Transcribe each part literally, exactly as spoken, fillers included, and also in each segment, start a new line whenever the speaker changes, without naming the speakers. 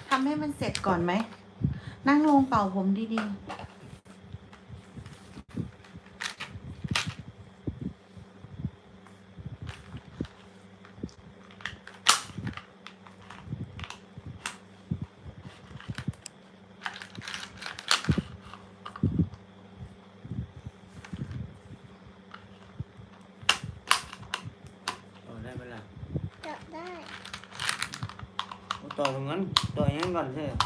ทำให้มันเสร็จก่อนไหม นั่งลงเป่าผมดีๆ
ต่อได้ไหมล่ะ
จับได้
ต่อตรงนั้นต่ออย่างนั้นก่อนใช่ไหม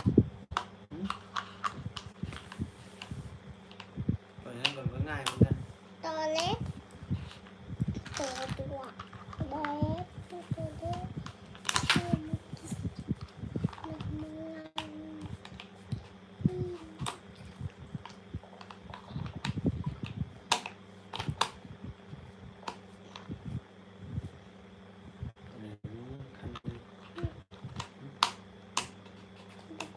ต่ออย่างนั้นก่อนก็ง่ายเหมือนกัน
ตัวเล็กตัวตัวเล็กตัวเล็กตัวเล็กเมืองอืม
ขั้นตอน
ได้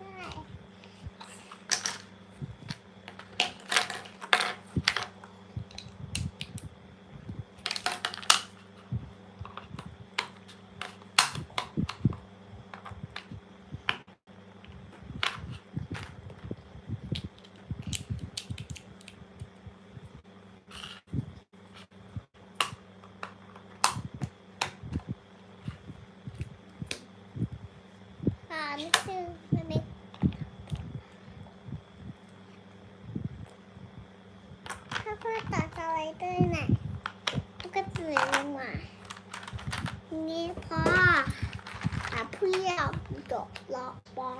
อ่านี่คือมันเป็นถ้าเพื่อตัดสไลเดอร์น่ะมันก็จะเหลือลงมานี่พออ่ะเพื่อดอกล็อกบอล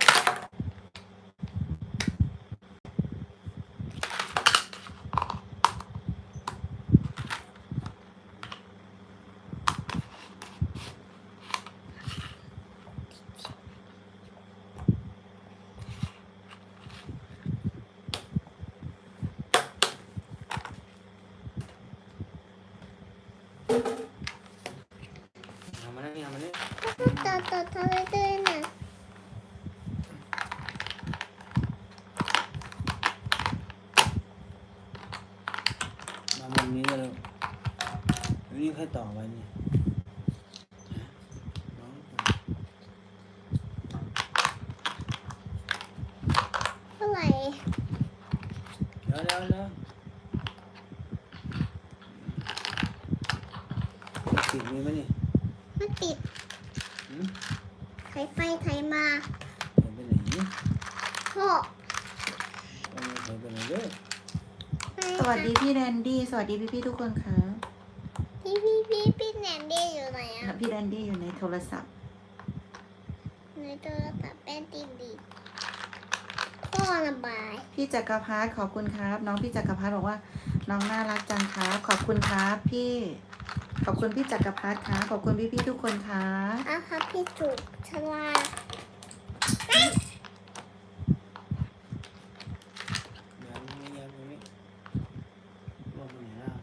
ทำมาแล้วนี่ทำมาแล้ว
ถ้าเพื่อตัดตัดสไลเดอร์น่ะ
มามุมนี้ก็เลยนี่ค่อยต่อไว้นี่น้อง
เท่าไหร่
เดี๋ยวเดี๋ยวเดี๋ยวติดมือไหมนี่
ไม่ติด
หืม
ไถไปไถมา
เดินไปไหน
พ่อ
เอามือเดินไปไหนเด้อ
สวัสดีพี่แดนดี้ สวัสดีพี่ๆทุกคนค่ะ
พี่พี่พี่พี่แหนมเดียอยู่ไหนอ่ะ
พี่แดนดี้อยู่ในโทรศัพท์
ในโทรศัพท์เป็นตีดีพ่อระบาย
พี่จักรพัฒน์ขอบคุณครับ น้องพี่จักรพัฒน์บอกว่า น้องน่ารักจังครับ ขอบคุณครับพี่ ขอบคุณพี่จักรพัฒน์ครับขอบคุณพี่ๆทุกคนครับ
อ่ะครับพี่จุกฉลาด
เดี๋ยวนี้เดี๋ยวนี้ลงไปไหนล่ะ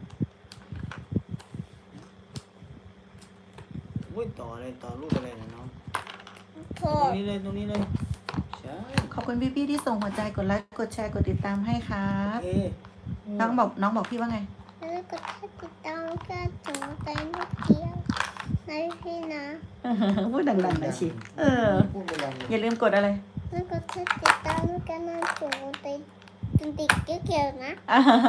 อุ้ยต่ออะไรต่อรูปอะไรนะน้อง
พ่อ
ตรงนี้เลยตรงนี้เลยใช่
ขอบคุณพี่ๆที่ส่งหัวใจกดไลค์กดแชร์กดติดตามให้ครั
โอบ เค
น้องบอกน้องบอกพี่ว่าไง
แล้วก็ถ้าติดตามก็ถึงใจไม่เกี่ยวนะพี่นะ
พูดดังๆหน่อยสิเออ
พูดไปดังเลย
อย่าลืมกดอะไร
แล้วก็ถ้าติดตามก็น่าถึงใจจนติดเกี่ยวๆนะ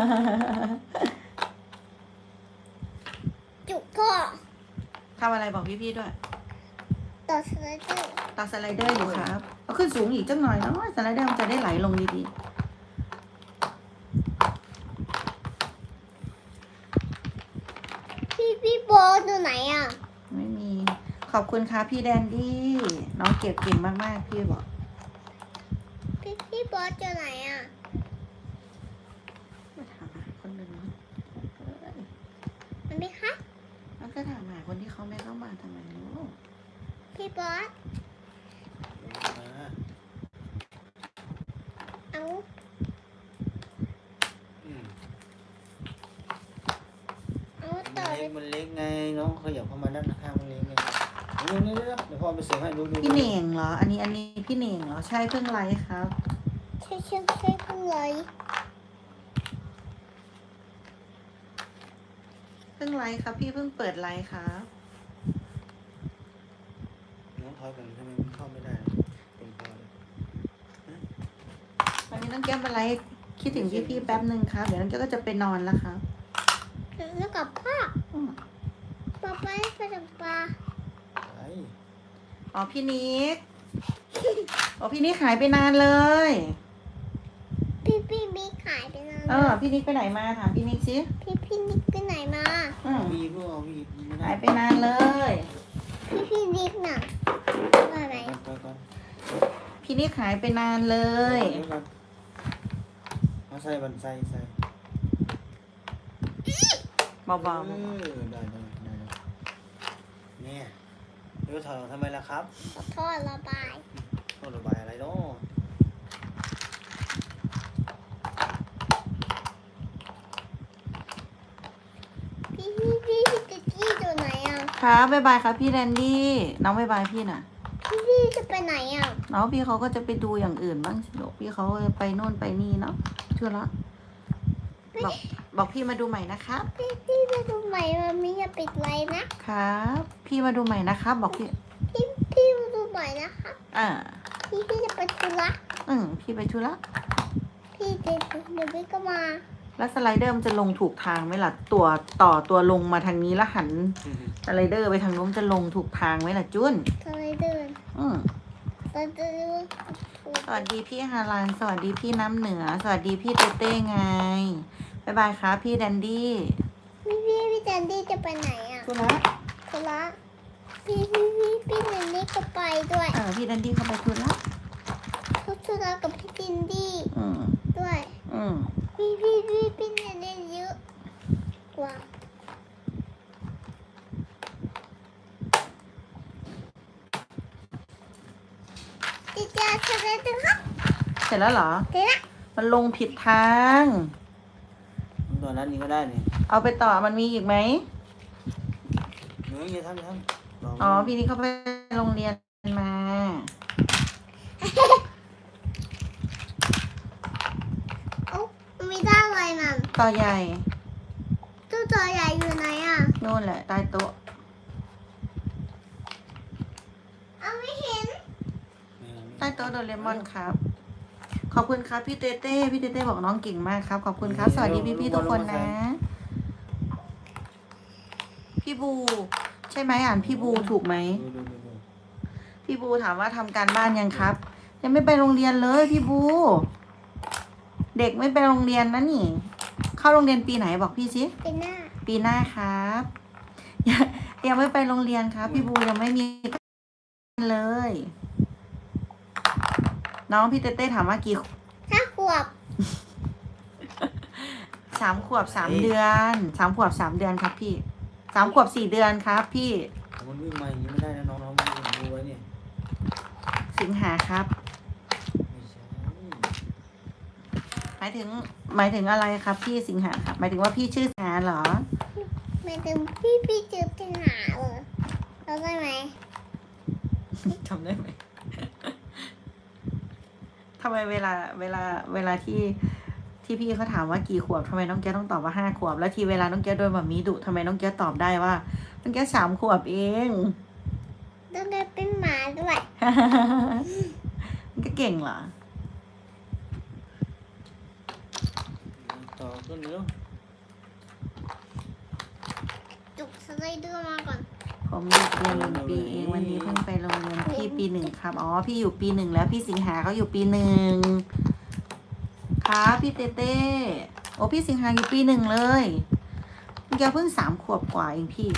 จุกพ่อ
ทำอะไรบอกพี่ๆด้วย
ต่อสไลเดอร์
ตัดสไลเดอร์อยู่ครับเอาขึ้นสูงอีกจังหน่อยเนาะสไลเดอร์มันจะได้ไหลลงดี
พี่พี่โบทอยู่ไหนอ่ะ
ๆไม่มี ขอบคุณครับพี่แดนดี้ น้องเก็บเก่งมากๆพี่บอก
พี่พี่โบทอยู่ไหนอ่ะ
มาถามหาคนหนึ่งนะเอ้ย
มันไม่คะ
แล้วก็ถามหาคนที่เขาไม่เข้ามาทำไมลูก
พี่โบท
มา
เอา
อืม
เอา
มัน
ต่อ
เล็กมันเล็กไงน้องขยับเข้ามาด้านข้างมันเล็กไงนี่นี่เดี๋ยวพ่อไปเสิร์ฟให้ดูดู
พี่เหน่งเหรอ อันนี้อันนี้พี่เหน่งเหรอ ใช่เพิ่งไลฟ์ครับ
ใช่ใช่ใช่เพิ่งเลย
เพิ่งไลฟ์ครับ พี่เพิ่งเปิดไลฟ์ครับ
น้องถอยก่อนทำไมมันเข้าไม่ได้เป็นพอเลย
นี้น้องแก้วเป็นไรคิดถึงพี่ๆแป๊บหนึ่งครับเดี๋ยวน้องแก้วก็จะไปนอนแล้วครับ
แล้วกับพ่อ
อืม
ป๊าไปไปกับปลา
ไป
อ๋อพี่นิกอ๋อพี่นิกหายไปนานเลย
พี่พี่บิ๊กหายไปนาน
เออพี่นิกไปไหนมาถามพี่นิกสิ
พี่พี่นิกไปไหนมา
อืม
วีก็เอาวีไม่ได้
หายไปนานเลย
พี่พี่บิ๊กน่ะอะไร
ไปก่อน
พี่นิกหายไปนานเลย
เดี๋ยวก่อนเอาใส่บันใส่ใส่
เบา
เออได้ได้ได้ได้เนี่ยเดี๋ยวถอดออกทำไมล่ะครับ
ขอโทษระบาย
โทษระบายอะไรเนาะ
พี่พี่พี่พี่จะจี้ตัวไหนอ่ะ
ๆครับบ๊ายบายครับพี่แดนดี้น้องบ๊ายบายพี่น่ะ
พี่พี่จะไปไหนอ่ะ
น้องพี่เขาก็จะไปดูอย่างอื่นบ้างสิลูกพี่เขาไปโน่นไปนี่เนาะเชื่อละบอกบอกพี่มาดูใหม่นะครับ
พี่พี่ไปดูใหม่มันไม่อย่าปิดไลน์นะครับ
พี่มาดูใหม่นะครับ บอกพี่
พี่พี่มาดูใหม่นะครับ
อ่า
พี่พี่จะไปธุระ
อืมพี่ไปธุระ
พี่เดี๋ยวเดี๋ยวพี่ก็มา
แล้วสไลเดอร์มันจะลงถูกทางไหมล่ะตัวต่อตัวลงมาทางนี้แล้วหันสไลเดอร์ไปทางนู้นจะลงถูกทางไหมล่ะจุน
ทำไมเดิน
อืม
เราจะดูถูก
สวัสดีพี่ฮารานสวัสดีพี่น้ำเหนือ สวัสดีพี่เต้เต้ไงบ๊ายบายครับพี่แดนดี้
พี่พี่พี่แดนดี้จะไปไหนอ่ะ
ธุระ
ธุระพี่พี่พี่พี่แดนดี้ก็ไปด้วย
เออพี่แดนดี้เข้าไปธุระ
ทุกธุระกับพี่แดนดี้
อืม
ด้วย
อืม
พี่พี่พี่พี่แดนดี้เยอะกว่าดีจ้าสวัสดีครับ
เสร็จแล้วเหรอ
เดี๋ยวนะ
มันลงผิดทาง
ตัวนั้นนี่ก็ได้นี่
เอาไปต่อมันมีอีกไหม
เนื้ออย่าทำอย่าทำลง
อ๋อพี่นี่เขาไปโรงเรียนมา
โอ้ไม่ได้อะไรนั่น
ต่อใหญ่
ตัวตัวใหญ่อยู่ไหนอ่ะ
นู่นแหละใต้โต๊ะ
เอาไม่เห็น
ใต้โต๊ะโดเรมอนครับ ขอบคุณครับพี่เต้เต้พี่เต้เต้บอกน้องเก่งมากครับ ขอบคุณครับ สวัสดีพี่พี่ๆทุกคนนะ พี่บู ใช่ไหมอ่านพี่บูถูกไหม
ดูดูดูดู
พี่บูถามว่าทำการบ้านยังครับ ยังไม่ไปโรงเรียนเลยพี่บู เด็กไม่ไปโรงเรียนนะนี่ เข้าโรงเรียนปีไหนบอกพี่สิ
เป็นหน้า
ปีหน้าครับ ยังยังไม่ไปโรงเรียนครับ พี่บูยังไม่มีเลย น้องพี่เต้เต้ถามว่ากี่
ถ้าขวบ
สามขวบสามเดือนสามขวบสามเดือนครับพี่สามขวบสี่เดือนครับ พี่
มันวิ่งมาอย่างนี้ไม่ได้นะน้องน้องๆมันดูไว้เนี่ย
สิงหาครับ
ไม่ใช่
หมายถึง หมายถึงอะไรครับ พี่สิงหาครับ หมายถึงว่าพี่ชื่อสิงหาเหรอ
ไม่ถึงพี่พี่เจอปัญหาเหรอเราได้ไหม
จำได้ไหม ทำไมเวลาเวลาเวลาที่ที่พี่เขาถามว่ากี่ขวบทำไมน้องแก้วต้องตอบว่าห้าขวบ แล้วทีเวลาน้องแก้วโดนแบบมีดุทำไมน้องแก้วตอบได้ว่าน้องแก้วสามขวบเอง
ต้องได้เป็นหมาด้วย
มันก็เก่งเหรอ
ต่อขึ้นเร็ว
จุกสไลเดอร์มาก่อน
ผมเด็กเรียนหนึ่งปีเองวันนี้เพิ่งไปโรงเรียนพี่ปีหนึ่งครับ อ๋อพี่อยู่ปีหนึ่งแล้วพี่สิงหาเขาอยู่ปีหนึ่งครับพี่เต้เต้โอ้พี่สิงหาอยู่ปีหนึ่งเลยน้องแก้วเพิ่งสามขวบกว่าเองพี่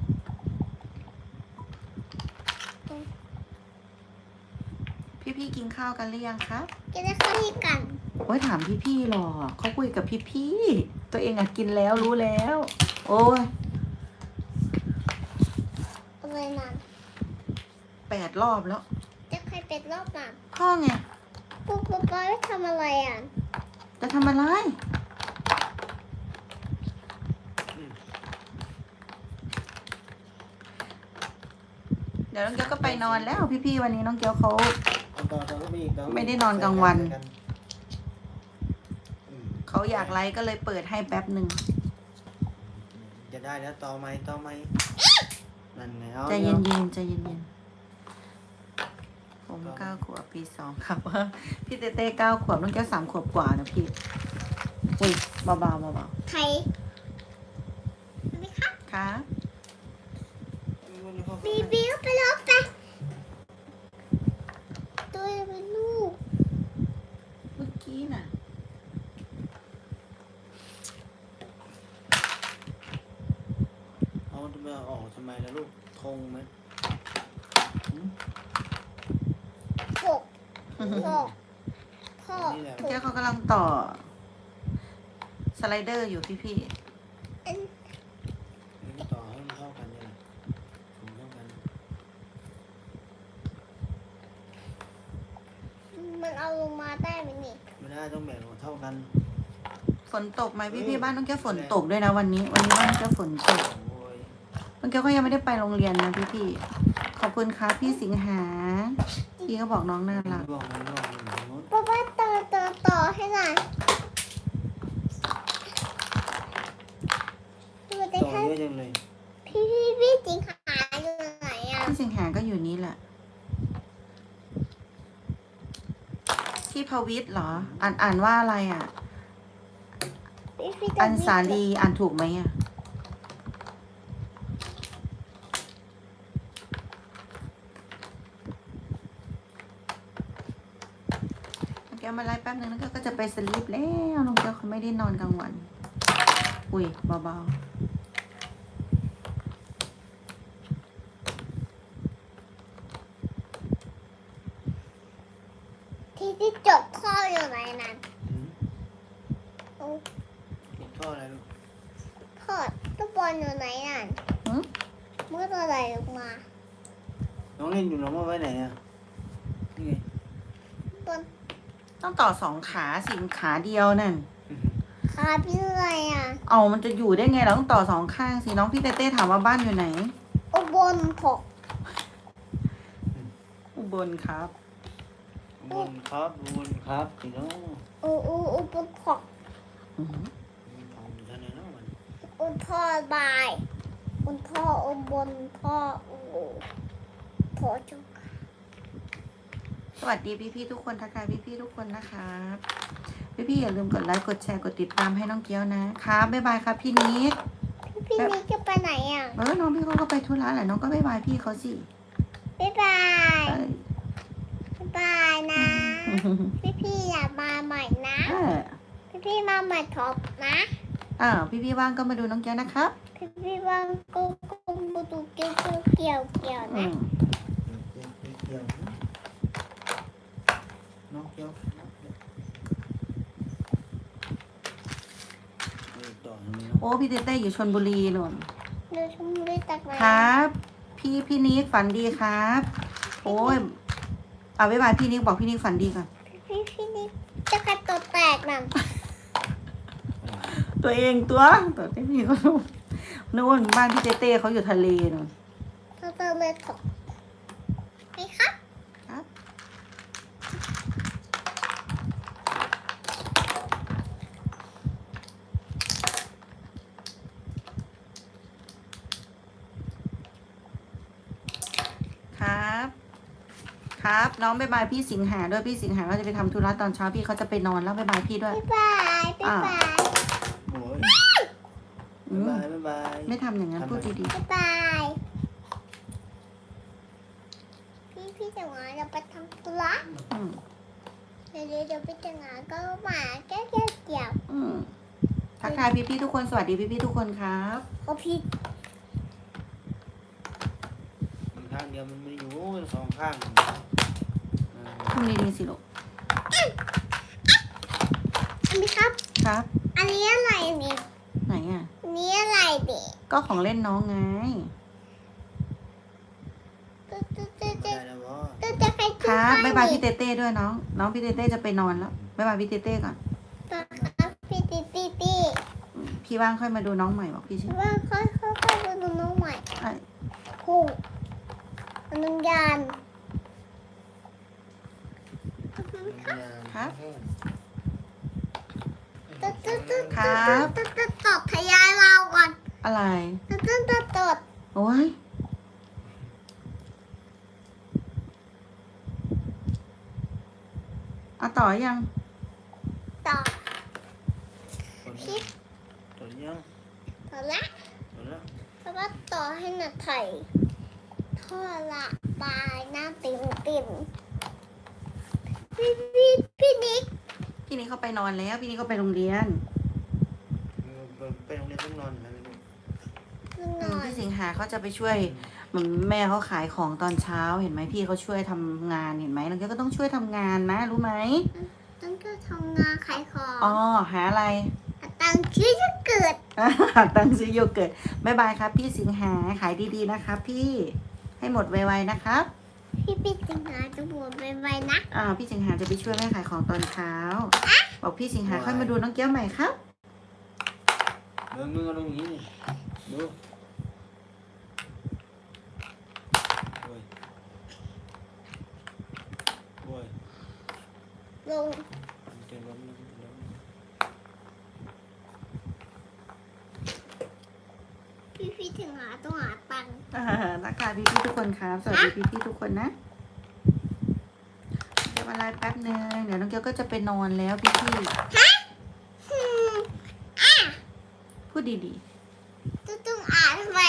พี่พี่ๆกินข้าวกันหรือยังครับ
จะได้เข้าที่กัน
โอ้ยถามพี่พี่ๆหรอกเขาคุยกับพี่พี่ๆตัวเองอะกินแล้วรู้แล้ว โอ้ย
อะไรนั่น
แปดรอบแล้ว
จะใครเป็ดรอบนั่น
พ่อไง
ปุ๊บปุ๊บไปทำอะไรอ่ะ
จะทำอะไร เดี๋ยวน้องเกียวก็ไปนอนแล้ว พี่ๆวันนี้น้องเกียวเขา
เอาต่อต่อก็มีอีกต่อก็
ไม่ได้นอนกลางวัน
ใส่กัอืม
เขาอยากไลฟ์ก็เลยเปิดให้แป๊บหนึ่ง
จะได้แล้วต่อไหมต่อไหมนั่นไงเอา
ใจ
ดี๋
เย็
วน
ๆใจเย็นๆผมมเก้าขวบปีสองครับ พี่เต้เต้เก้าขวบน้องแก้วสามขวบกว่านะพี่อุ้ยเบาๆเบา
ใครไหมครับ
ๆครับ
บีบีไปลบไปตัวเป็นลูก
เมื่อกี้น่ะ
เอาจะมาออกทำไมล่ะลูกธงไหมหืม
หกหกพ่อ
นี่แหละ
ถู
แก้ว
ก
เขากำลังต่อ สไลเดอร์อยู่พี่พี่
อัน
นี่ต่อให้มันเท่ากันเนี่ยแหละถุงเท่ากัน
มันเอาลงมาได้ไหมนี่
ไม่ได้ต้องแบ่งออกเท่ากัน
ๆฝนตกไหมพี่พี่บ้านน้องแก้วฝนตกด้วยนะวันนี้ วันนี้บ้านน้องแก้วฝนตก
โอ้ย
น้องแก้วก็ยังไม่ได้ไปโรงเรียนนะพี่พี่ขอบคุณครับพี่สิงหาพี่เขาบอกน้องน่ารัก
บอกมันบอกมันอย่างนู้น
ป้าป้าต่อต่อต่อให้หน่อยดูได้
ต่อ
แค่
เยอะจังเลย
พี่พี่พี่จริงหายอยู่ไหนอ่ะ
พี่สิงหาก็อยู่นี่แหละพี่พวิทย์เหรอ อ่านอ่านว่าอะไรอ่ะ
พี่พี่
อันสาลีอ่านถูกไหมอ่ะน้องแก้วมาไล่แป๊บนึงแล้วก็จะไปสลีปแล้วน้องแก้วเขาไม่ได้นอนกลางวัน อุ้ยเบา
ที่ที่จบข้ออยู่ไหนนั่น
หืม
โอ้
ติดท่ออะไรลูก
พ่อตัวบอลอยู่ไหนนั่น
ๆหึ
เมื่อตัวไหนลงมา
น้องเล่นอยู่น้องว่าไว้ไหนอ่ะนี่ไง
บน
ต้องต่อสองขาสิขาเดียวนั่น
ขาพี่อะไรอ่ะ
เอามันจะอยู่ได้ไงเราต้องต่อสองข้างสิน้องพี่เต้เต้ถามว่าบ้านอยู่ไหน
โอ้บนหก
อุบลครับ
บุญครับบุญครับสิน้อง
โอ้โอ้โอ้บนหก
อือหือ
ของอยู่ท่านไหนเนาะมัน
อุนท่อบายอุนท่ออุบนท่อโอ้ท่อจุก
สวัสดีพี่ๆทุกคนทักทายพี่ๆทุกคนนะครับพี่ๆอย่าลืมกดไลค์กดแชร์กดติดตามให้น้องเกี้ยวนะครับบ๊ายบายครับพี่นิก
พี่พี่นี่จะไปไหนอ่ะ
เออน้องพี่เขาก็ไปธุระแหละน้องก็บ๊ายบายพี่เขาสิ
บ๊ายบาย
เออ
บ๊ายบายนะ พี่พี่อย่ามาใหม่นะ
เออ
พี่พี่มาใหม่ท็อปนะ
อ้าวพี่ๆว่างก็มาดูน้องเกี้ยวนะครับ
พี่พี่ว่างก็ก็มาดูเกี่ยวเกี่ยวเกี่ยว
อื
นะ
ม
เกี่ยวเกี่ยวน้องเกี่ยวเออต่อทำไมเนาะ
โอ้พี่เต้เต้อยู่ชลบุรีนน
เดินชมด้วยตักไหน
ครับ พี่พี่นิกฝันดีครับ โอ้ยเอาบ๊ายบายพี่นิกบอกพี่นิกฝันดีก่อน
พี่พี่พี่นี่จะกระตดแตกนั่น
ตัวเองตัวตัวเต้พี่เขานู่นบ้านพี่เต้เต้เขาอยู่ทะเลนู่น
เธอเติมเลยถกไหมครับ
ครับ ครับ ครับ น้องบ๊ายบายพี่สิงหาด้วยพี่สิงหาก็จะไปทำธุระตอนเช้าพี่เขาจะไปนอนแล้วบ๊ายบายพี่ด้วย
บ๊ายบายบ๊ายบาย
โอ้ย
อื
บ๊าม ยบายบ๊ายบาย
ไม่ทำอย่างนั้นพูดดี
บ๊ายบายพี่พี่จะงานเราไปทำธุระ
ๆอืม
เดี๋ยวเดี๋ยวเดี๋ยวไปจะงานก็มาแก้วแก้วเกี่ยว
อืมทักทายพี่ๆทุกคนสวัสดีพี่ๆทุกคนครับ
โอ้พี่
มีข้างเดียวมันไม่อยู่สองข้างเออ
ทำดีๆสิลูก
อันนี้ครับ
ครับ
อันนี้อะไรเนี่ย
ไหนอ่ะ
อันนี้อะไรเด็ก
ก็ของเล่นน้องไง
ตุ๊ดตุ๊ดตุ๊ด
ได้
ตุ๊ด
แล้วบ่
ตุ๊ดจะใคร
ค
ตุ๊ด
รับ
ให้
บ๊ายบายพี่เต้เต้ด้วยน้อง น้องพี่เต้เต้จะไปนอนแล้วบ๊ายบายพี่เต้เต้ก่อน
ครับพี่ตีตีตี
อืมพี่ว่างค่อยมาดูน้องใหม่บอกพี่ใช่ไหม
ว่าค่อยค่อยค่อยดูน้องใหม่
ไอ้
คู่อนุญาต
ครับ
ตุ๊ดตุ๊ดตุ๊ด
ครับ
ตุ๊ดตุ๊ดตอบพยานเราก่อน
อะไร
ตุ๊ดตุ๊ดตุ๊ดตุ๊ด
โอ้ยเอาต่อยัง
ต่อ
ตัวนี้ตัวยัง
ต่อละ
ตัวละ
แล้วก็ต่อให้หนักไถ่ท่อละบายหน้าติ่มติ่มพี่พี่พี่นิก
พี่นี่เขาไปนอนแล้ว พี่นี่เขาไปโรงเรียน
ไปโรงเรียนต้องนอนไหมลูก
คือน
อื
อ
ม
น
พี่สิงหาเขาจะไปช่วยเหมือนแม่เขาขายของตอนเช้าเห็นไหมพี่เขาช่วยทำงานเห็นไหมน้องแก้วก็ต้องช่วยทำงานนะรู้ไหม
ตั้งก็ทำงานขายของ
อ๋อหาอะไร
ตั้งชื่อจะเกิด
ตั้งซื้อโยเกิร์ตบายบายครับ พี่สิงหาขายดีๆนะครับ พี่ให้หมดไวๆนะครับ
พี่พี่สิงหาจะบวชไปๆนะ
อ่าพี่สิงหาจะไปช่วยแม่ขายของตอนเช้าบอกพี่สิงหาค่อยมาดูน้องแก้วใหม่ครับ
เดินมือกันตรงนี้นี่ดูโอ้ยโอ้ย
ลง
เจอล้มแล้วล้ม
พี่พี่สิงหาต้องหาตังค์
อ่าทักทายพี่ๆทุกคนครับสวัสดีพี่ๆทุกคนนะเดี๋ยวอะไรแป๊บนึงเดี๋ยวน้องแก้วก็จะไปนอนแล้วพี่
อืมอ่ะ
ๆพูดดี
จะต้องอ่านทำไม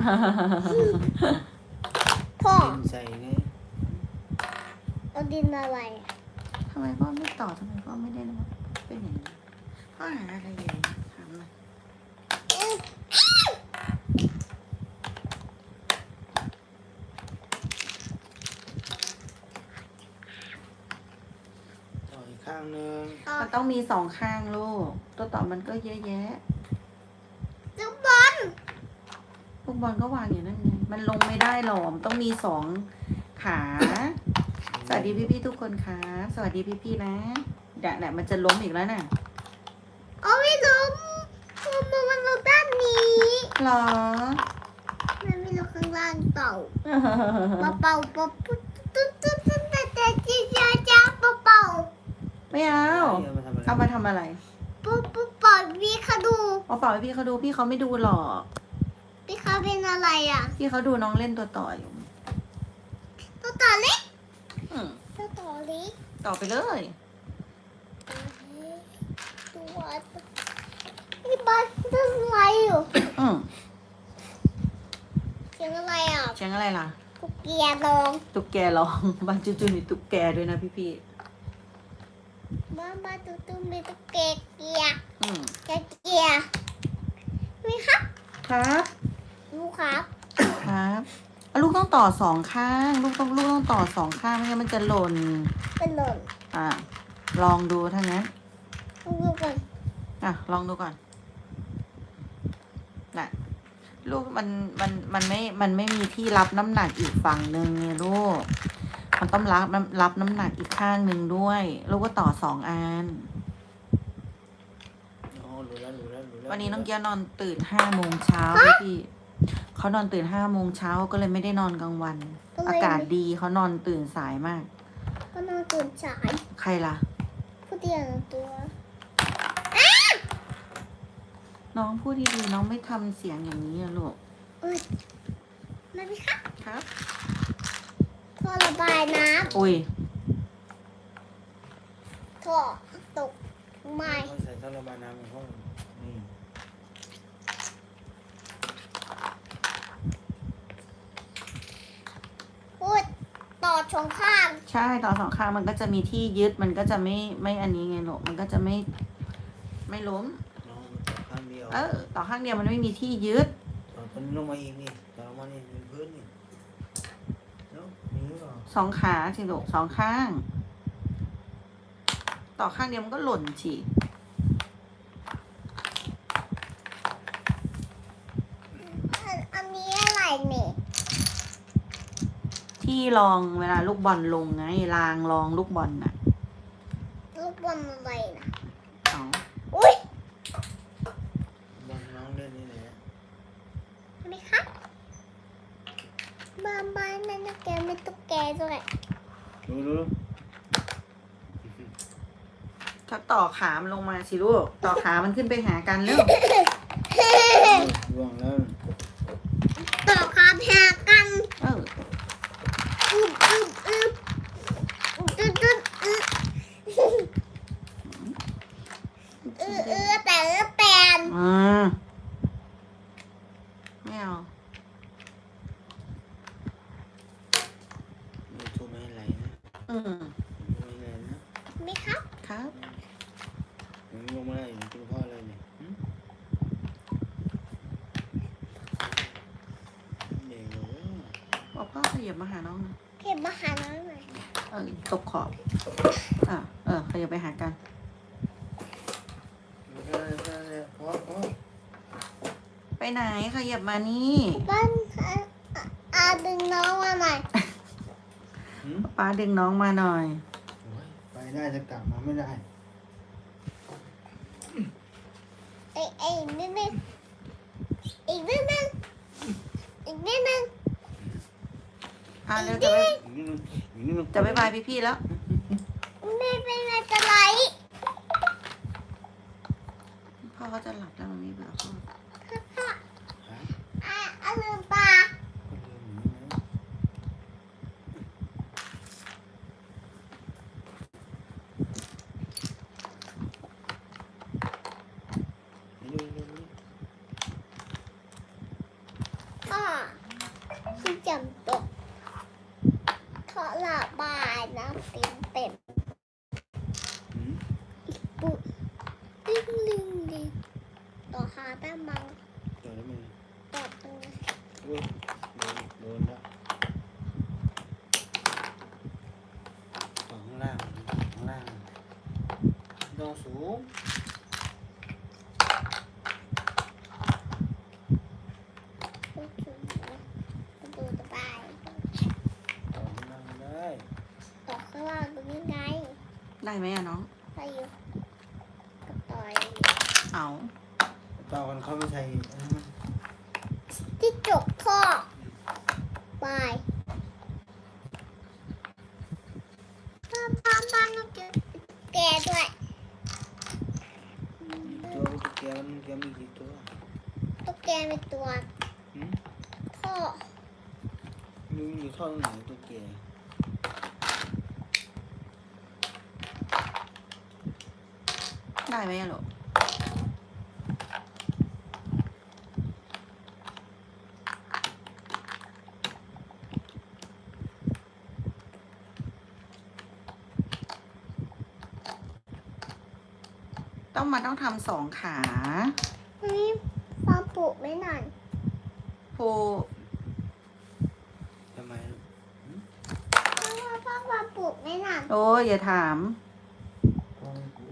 ๆ
พ่อ
ดินใส่ไง
เอาดินอะไรอ่ะ
ทำไมพ่อไม่ตอบทำไมพ่อไม่ได้นะเป็นอย่างนี้พ่อหาอะไรอยู่ถามหน่อย
อืม
ต่ออีกข้างหนึง
ต่อ
มันต้องมีสองข้างลูกตัวต่อมันก็เยอะแยะ
จุบบอล
พวกบอลก็วางอยู่นั่นไงมันลงไม่ได้หรอกมันต้องมีสองขา สวัสดีพี่ๆทุกคนครับสวัสดีพี่ๆนะเดี๋ยวเนี่ยมันจะล้มอีกแล้วน่ะ
เอาไม่ล้มมันมันลงด้านนี้
หรอ
มันไม่ลงข้างล่างเต่าเป่าเป่าเป่าตุ๊ดตุ๊ดตุ๊ดตุ๊ดแต่แต่จีจ้าจ้าเป่าเป่า
ไม่เอา
เอามาทำอะไร
เอามาทำอะไร
ปุ๊บปุ๊บเป่าพี่เขาดู
เอาเปล่าให้พี่เขาดูพี่เขาไม่ดูหรอก
พี่เขาเป็นอะไรอ่ะ
พี่เขาดูน้องเล่นตัวต่ออยู่
ตัวต่อเล็ก
อืม
ตัวต่อเล็ก
ต่อไปเลย
ตัวนี่บ้านตัวอะไรอยู่
อืม
เสียงอะไรอ่ะ
เสียงอะไรล่ะ
กุกเกียร์ลอง
ตุ๊กแกร้อง บ้านจู่ๆมีตุ๊กแกด้วยนะพี่
บ้านบ้านตุ้มตุ้มมีตุ๊กแกเกียร์
ๆอืม
แกเกียร์มีครับ
ครับ
ลูกครับ
ครับอ่ะลูกต้องต่อสองข้าง ลูกต้องลูกต้องต่อสองข้างไม่งั้นมันจะหล่น
เป็นหล่น
อ่ะลองดูถ้างั้น
ลูกดูก่อน
อ่ะลองดูก่อนน่ะลูกมันมันมันไม่มันไม่มีที่รับน้ำหนักอีกฝั่งหนึ่งไงลูกมันต้องรับน้ำรับน้ำหนักอีกข้างหนึ่งด้วย ลูกก็ต่อสองอัน
อ๋อรู้แล้วรู้แล้วรู้แล้ว
วันนี้น้องเกียร์นอนตื่นห้าโมงเช้าพี่พี่เขานอนตื่นห้าโมงเช้าก็เลยไม่ได้นอนกลางวัน อากาศดีเขานอนตื่นสายมาก
ก็นอนตื่นสาย
ใครล่ะ
ผู้เดียวตัว
น้องพูดดีๆน้องไม่ทำเสียงอย่างนี้อะลูก
เอ้ยมาพี่ครับ
ครับ
ท่อระบายน้
อุ้ย
ำท่อตกไม่
เขาใส่ท่อระบายน้ำของห้องนี่
พูดต่อชงข้าม
ใช่ต่อสองข้างมันก็จะมีที่ยึดมันก็จะไม่ไม่อันนี้ไงลูกมันก็จะไม่ไม่ล้ม
น้องมันต่อข้างเดียว
เออต่อข้างเดียวมันไม่มีที่ยึด
ต่อต้นลงมาอีกนี่ต่อลงมานี่เป็นพื้นนี่เนาะมีหรือเปล่า
สองขาสิลูกสองข้าง ต่อข้างเดียวมันก็หล่นฉี
อันอันนี้อะไรเนี่ย
ที่รองเวลาลูกบอลลงไงรางรองลูกบอลน่ะ
ลูกบอลอะไรนะ
เอา
อุ้ย
บอลน้องเล่นนี่แหละ
เห็นไหมครับบ้านบ้านนั่นนะแกไม่ตุ๊กแกด้วย
ดูดู
ถ้าต่อขามันลงมาสิลูกต่อขามันขึ้นไปหากันเร็ว
ร่วงแล้ว
ต่อคาแพรกัน
เออ
อึบอึบอึบอึบอึบอึบ
อืม
ไม่แน่นะ
ไหมครับ
ครับ
ยังลงมาได้อยู่กินพ่ออะไรเนี่ยหึเด็กเลย
บอกพ่อขยับมาหาน้องนะ
เก็บมาหาน้องหน่อย
เออตกขอบอ่ะเออขยับไปหากัน
ไม่ได้ไม่ได้พ่อพ่อ
ไปไหนขยับมานี่
บ้านอาอาดึงน้องมาหน่อย
หึ
ป้าดึงน้องมาหน่อย
โอ้ยไปได้จะกลับมาไม่ได้
เอ้ยเอ้ยนิดนึงอีกนิดนึงอีกนิดนึง
อ่ะเร็วจะไป
อีกนิดนึงอีกนิดนึง
จะไปบายพี่ๆแล้ว
ไม่เป็นไรจะไหล
พ่อเขาจะหลับแล้วมันมีเบื่อพ่อ
ฮะ
อ่ะอ่ะลืมตา
ก็ลืมอย่างนี้นะเร็วเร็วเร็ว
พ่อที่จำตกขอระบายน้ำเต็มเต็ม
หึ
ปุ๊บดึงดึงดึงต่อหาแต้มมัง
เดี๋ยวแล้วมัน
ต่อตรงนี้
โอ้ยโดนโดนแล้วต่อข้างล่างข้างล่างต้องสูง
ปุ๊บปุ๊บปุ๊บดูสบาย
ต่อข้างล่างได้
ต่อข้างล่างตรงนี้ไง
ได้ไหมอะน้อง
ไปอยู่กับต่อย
เอา
ต่อกันเขาไม่ใช่อันนั้นมัน
ที่จกท่อไปป้าป้าป้าต้องเจอแกด้วย
ตัวตุ๊กแกมันแกมีกี่ตัว
ตุ๊กแกเป็นตัว
หืม
ท่อ
มึงอยู่ท่อตรงไหนตุ๊กแก
ได้ไหมอะลูกต้องมาต้องทำสองขา
เฮ้ยฟ้าปลูกไม่นาน
โู
ทำไมลูกหืม
เพราะว่าฟ้าฟ้าปลูกไม่นาน
โอ้ยอย่าถาม
พ่อไม่รู้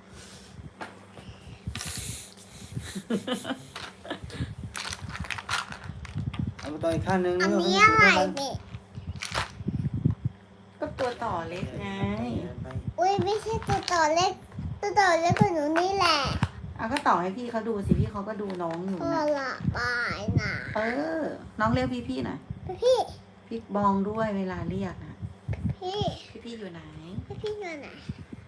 เอาไปต่ออีกข้างหนึง
อัน
เร็ว
นี้
ให้
อะไร
มัน
เนี่ย
ก็ตัวต่อเล็กไง
ไป
อุ้ยไม่ใช่ตัวต่อเล็กตัวต่อเล็กกว่าหนูนี่แหละ
เอาก็ต่อให้พี่เขาดูสิพี่เขาก็ดูน้องอยู่
พ่อ
นะ
ละบายนะ
เออ น้องเรียกพี่ๆหน่อย
พี่
พี่บองด้วยเวลาเรียกนะ
พี่
พี่ๆอยู่ไหน
พี่พี่อยู่ไหน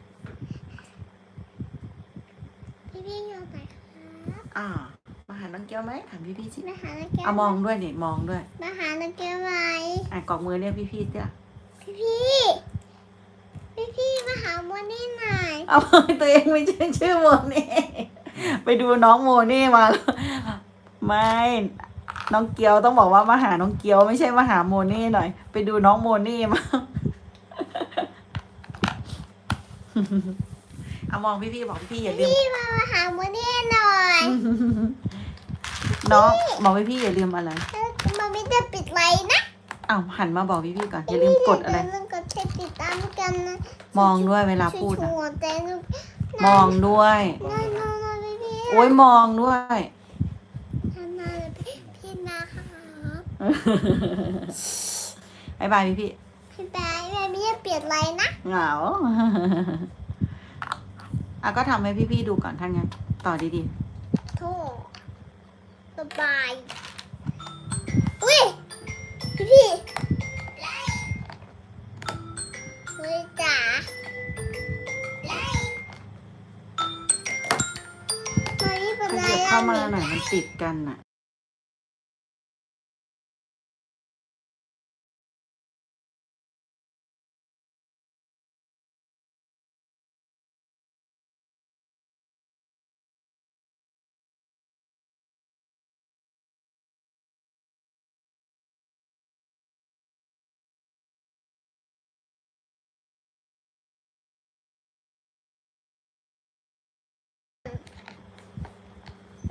พี่พี่อยู่ไหนครับ
อ่ามาหาน้องเกียวไหมถามพี่ๆสิ
มาหานักเก็ต
เอามองด้วยเนี่ยมองด้วย
มาหานักเก็ตไหม
อ่ะกอกมือเรียกพี่ๆเจ้ะ
พี่พี่พี่พี่มาหาโมนี่หน่อย
เอา ตัวเองไม่ใช่ชื่อโมเน่ไปดูน้องโมเน่มาแล้วไม่น้องเกียวต้องบอกว่ามาหาน้องเกียวไม่ใช่มาหาโมเน่หน่อย ไปดูน้องโมเน่มา เอามองพี่ๆบอกพี่ๆอย่าลืม
พี่มามาหาโมนี่หน่อย
น้องบอกพี่ๆอย่าลืมอะไร
แล้วมันไม่ได้ปิดไลน์นะ
อ้าวหันมาบอกพี่ๆก่อนอย่าลืมกดอะไร
อย่าลืมกดติดตามกันนะ
มองด้วยเวลาพูด
ชั
นะ
วร์ๆแต่หนู
มองด้วย
น้อยน้อยน้อยพี่พี่
โอ้ยมองด้วย
ทำมาเลยพี่พี่นะครับ
บายบายพี่พี่
พี่แบงค์แม่ไม่ได้เปลี่ยนไลน์นะ
เหงา อ่ะก็ทำให้พี่ๆดูก่อนถ้างั้น ต่อดี
โทษสบาย อุ้ย พี่พี่เฮ้ยจ๋ามานี่
ๆ
เป็น
ข
ไร
ยับ
อ่ะ
เข้ามา
นี่
หน่อยมันติดกันน่ะ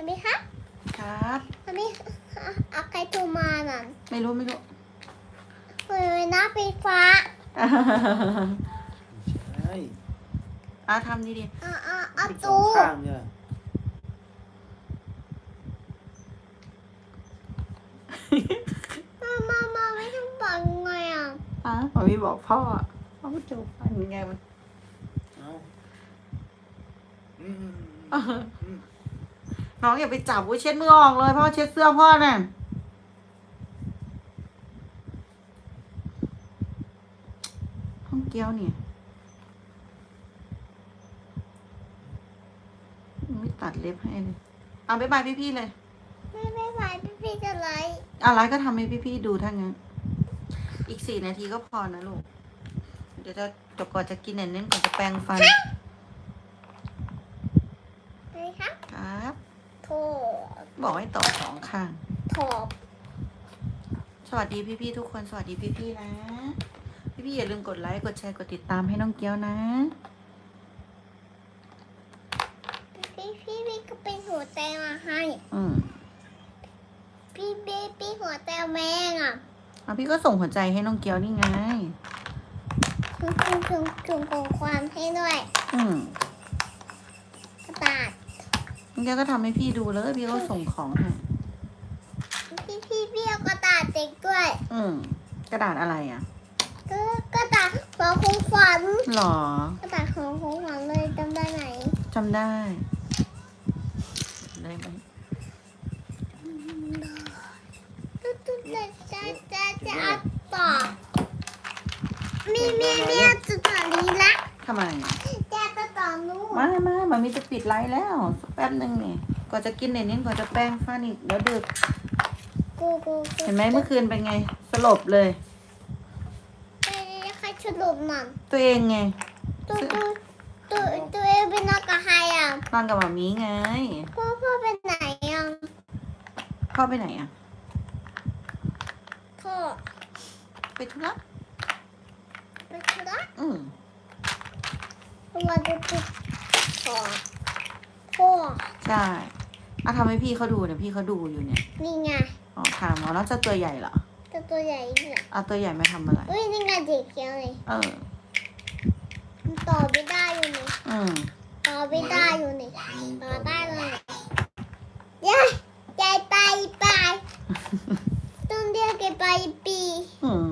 ไหมคะ
ครับ
ทำไมเอาใครโทรมาน่ะ
ไม่รู้ไม่รู้
เปิดหน้าไฟฟ้า
ใช่
อ่ะทำดี
อ่ะอ่ะอ่ะ
ปิดสอ
ตู
งข้างเนี่ย
มามามาไม่ต้องปังไงอ่ะ
ๆอ่ะพอพี่บอกพ่อพ่อจูบฟันไงมัน
เอาอืม
เออ
อืม
น้องอย่าไปจับอุ้ยเช็ดมือออกเลยพ่อเช็ดเสื้อพ่อน่ะห้องเกี้ยวเนี่ยไม่ตัดเล็บให้เลยเอาบ๊ายบายพี่ๆเลย
ไม่ไม่ไหวพี่พี่จะไลฟ์
อะไรก็ทำให้พี่ๆดูถ้างั้น อีกสี่นาทีก็พอนะลูก เดี๋ยวจะจบก่อนจะกินเน้นๆก่อนจะแปรงฟัน
อะไรคะ
ครับ
โทร
บอกให้ต่อสองข้าง
โทร
สวัสดีพี่ๆทุกคน สวัสดีพี่ๆนะ พี่ๆอย่าลืมกดไลค์ กดแชร์ กดติดตามให้น้องเกี้ยวนะ
พี่พี่พี่ก็เป็นหัวใจมาให้
อืม
พี่เบบี้หัวใจแมงอ่ะ
เอาพี่ก็ส่งหัวใจให้น้องเกี้ยวนี่ไง
คุณคุณคุณคุณของความให้ด้วย
อืม
กระดาษ
น้องเกี้ยวก็ทำให้พี่ดูเลย พี่ก็ส่งของให้
พี่พี่พี่เอากระดาษเด็กด้วย
อืม กระดาษอะไรอ่ะ
ก็กระดาษของของขวัญ
หรอ
กระดาษของของขวัญเลยจำได้ไหม
จำได้ ได้ไหม
ตุ๊ดตุ๊ดจะจะจะจะเอาต่อมีมีมีจุดต่อนี้ละ
ทำไม
จะจะต่อนู้น
มามามันมีจะปิดไลฟ์แล้วสักแป๊บหนึ่งนี่ก่อนจะกินเน้นๆก่อนจะแป้งฟันอีกเดี๋ยวดึก
กูกูกู
เห็นไหมเมื่อคืนเป็นไง สลบเลย
ไปใครฉลุมมัน
ตัวเองไง
ตัวตัวตัวตัวเองเป็นนักกระหายอ่ะ
นอนกับหมามีไง
พ่อพ่อเป็นไหนอ่ะ
พ่อไปไหนอ่ะ
พ่อ
ไปธุระ
ไปธุระ
อืม
วันจะติดพ่อพ่อ
ใช่อ่ะทำให้พี่เขาดูเนี่ยพี่เขาดูอยู่เนี่ย
นี่ไง
อ๋อถามอ๋อแล้วจะตัวใหญ่เหรอ
ตัวตัวใหญ่เนี่ย
เอาตัวใหญ่มาทำอะไร
อุ้ยนี่ไงเด็กเขียวเลย
เออ
มันต่อไม่ได้อยู่นี่
อืม
ต่อไม่ได้อยู่นี่ต่อได้เลยยายยายไปไปต้องเรียกแกไปปี
อืม